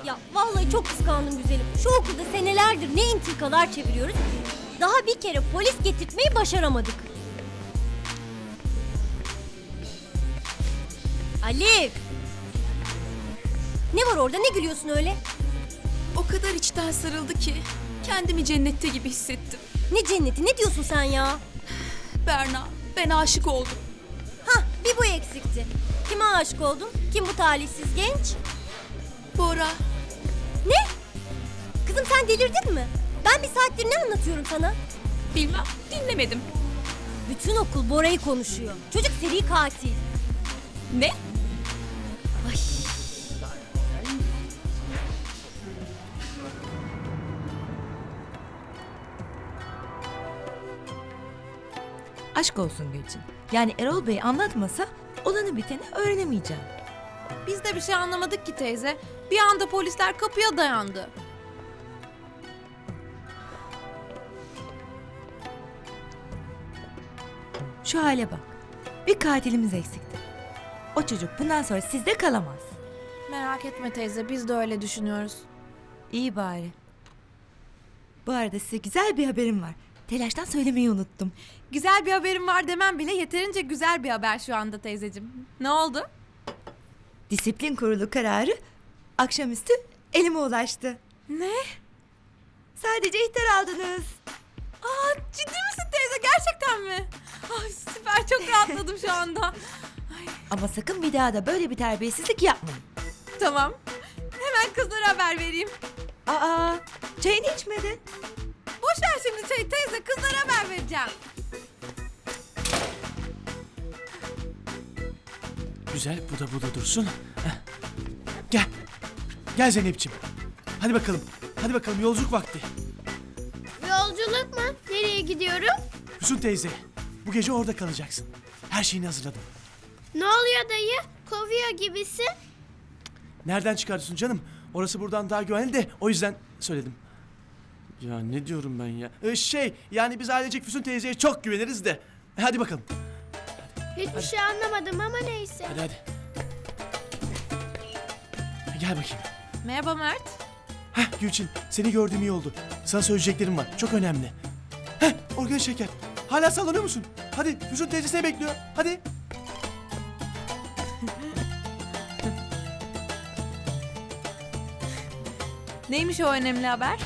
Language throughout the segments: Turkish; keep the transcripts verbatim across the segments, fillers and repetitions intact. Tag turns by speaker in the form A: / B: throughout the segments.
A: Ya vallahi çok kıskandım güzelim. Şu okulda senelerdir ne intikalar çeviriyoruz. Daha bir kere polis getirtmeyi başaramadık. Alif! Ne var orada, ne gülüyorsun öyle?
B: O kadar içten sarıldı ki kendimi cennette gibi hissettim.
A: Ne cenneti, ne diyorsun sen ya?
B: Berna, ben aşık oldum.
A: Hah, bir bu eksikti. Kime aşık oldun? Kim bu talihsiz genç?
B: Bora,
A: Ne? Kızım sen delirdin mi? Ben bir saattir ne anlatıyorum sana?
B: bilmem, dinlemedim.
A: Bütün okul Bora'yı konuşuyor. Çocuk seri katil.
B: Ne?
A: Ay.
C: Aşk olsun Gülçin. Yani Erol Bey anlatmasa olanı biteni öğrenemeyeceğim.
D: Biz de bir şey anlamadık ki teyze. Bir anda polisler kapıya dayandı.
C: Şu hale bak. Bir katilimiz eksikti. O çocuk bundan sonra sizde kalamaz.
D: Merak etme teyze, biz de öyle düşünüyoruz.
C: İyi bari. Bu arada size güzel bir haberim var. Telaştan söylemeyi unuttum.
D: Güzel bir haberim var demem bile yeterince güzel bir haber şu anda teyzeciğim. Ne oldu?
C: Disiplin kurulu kararı akşamüstü elime ulaştı.
D: Ne?
C: Sadece ihtar aldınız.
D: Aa, ciddi misin teyze? Gerçekten mi? Ay süper, çok rahatladım şu anda.
C: Ama sakın bir daha da böyle bir terbiyesizlik yapmayın.
D: Tamam. Hemen kızlara haber vereyim.
C: Aa, çayını içmedin.
D: Boş ver şimdi çayı teyze, kızlara haber vereceğim.
E: Güzel, bu da bu da dursun. Heh. Gel. Gel Zeynep'ciğim. Hadi bakalım. Hadi bakalım, yolculuk vakti.
F: Yolculuk mu? Nereye gidiyorum?
E: Füsun teyze, bu gece orada kalacaksın. Her şeyini hazırladım.
F: Ne oluyor dayı? Kovuyor gibisin.
E: Nereden çıkartıyorsun canım? Orası buradan daha güvenli de o yüzden söyledim. Ya ne diyorum ben ya? Ee, şey, yani biz ailecek Füsun teyzeye çok güveniriz de. Hadi bakalım.
F: Hiçbir şey anlamadım ama neyse.
E: Hadi hadi. Gel bakayım.
D: Merhaba Mert.
E: Heh Gülçin, seni gördüğüm iyi oldu. Sana söyleyeceklerim var, çok önemli. Heh, organik şeker. Hala sallanıyor musun? Hadi, Füsun teyze seni bekliyor. Hadi.
D: Neymiş o önemli haber?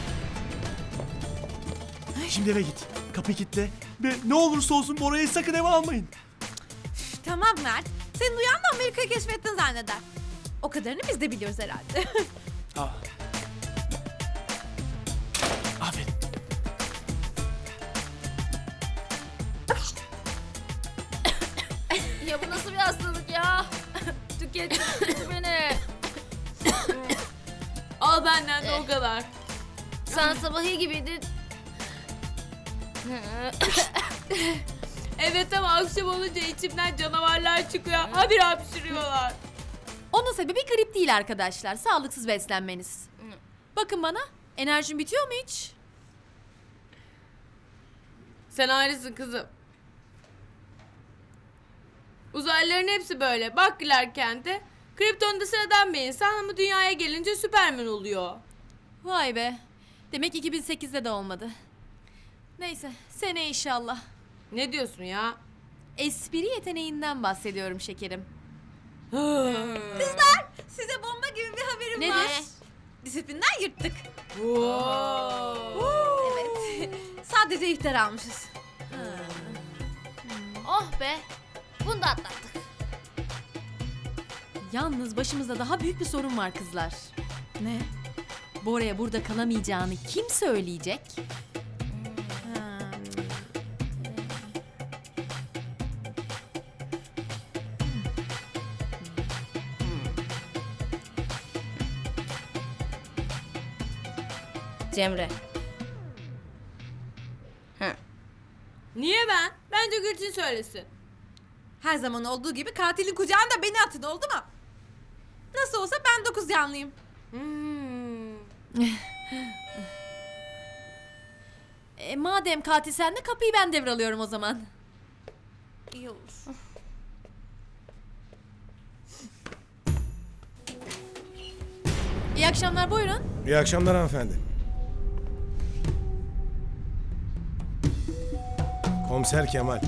E: Şimdi eve git. Kapıyı kilitle. Ve ne olursa olsun Bora'yı sakın eve almayın.
D: Tamam Mert. Sen duyan da Amerika'yı keşfettin zanneder. O kadarını biz de biliyoruz herhalde.
E: Aa. Aferin.
G: Ya bu nasıl bir hastalık ya? Tükettin beni.
B: Al benden de o kadar.
G: Sen sabahı gibiydin.
B: Evet ama akşam olunca içimden canavarlar çıkıyor. Habire hapşırıyorlar.
H: Onun sebebi grip değil arkadaşlar. Sağlıksız beslenmeniz. Bakın bana. Enerjim bitiyor mu hiç?
B: Sen ayrısın kızım. Uzaylıların hepsi böyle. Bak Clark Kent'e. Krypton'da sıradan bir insan ama dünyaya gelince Süperman oluyor.
H: Vay be. Demek iki bin sekizde de olmadı. Neyse. Sene inşallah.
B: Ne diyorsun ya?
H: Espri yeteneğinden bahsediyorum şekerim.
D: Size bomba gibi bir haberim
H: Nedir?
D: var. Disiplinden yırttık.
B: Wow.
D: Evet. Sadece ihtar almışız.
G: Oh be. Bunu da atlattık.
H: Yalnız başımızda daha büyük bir sorun var kızlar.
D: Ne?
H: Bora'ya burada kalamayacağını kim söyleyecek?
D: Ha.
G: Cemre.
B: Niye ben? Bence Gülçin söylesin.
D: Her zaman olduğu gibi katilin kucağında beni atın, oldu mu? Nasıl olsa ben dokuz yanlıyım.
B: Hmm.
H: E, madem katil sende kapıyı ben devralıyorum o zaman.
D: İyi olur.
H: İyi akşamlar, buyurun.
I: İyi akşamlar hanımefendi. Komiser Kemal.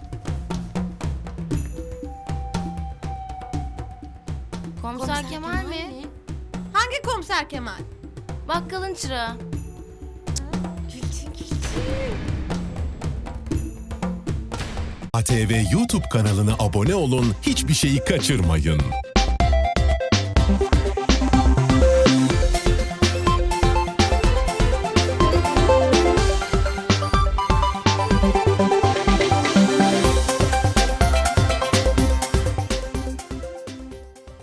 G: Komiser Kemal mi?
D: Hangi komiser Kemal?
G: Bakkalın çırağı.
J: A T V YouTube kanalına abone olun, hiçbir şeyi kaçırmayın.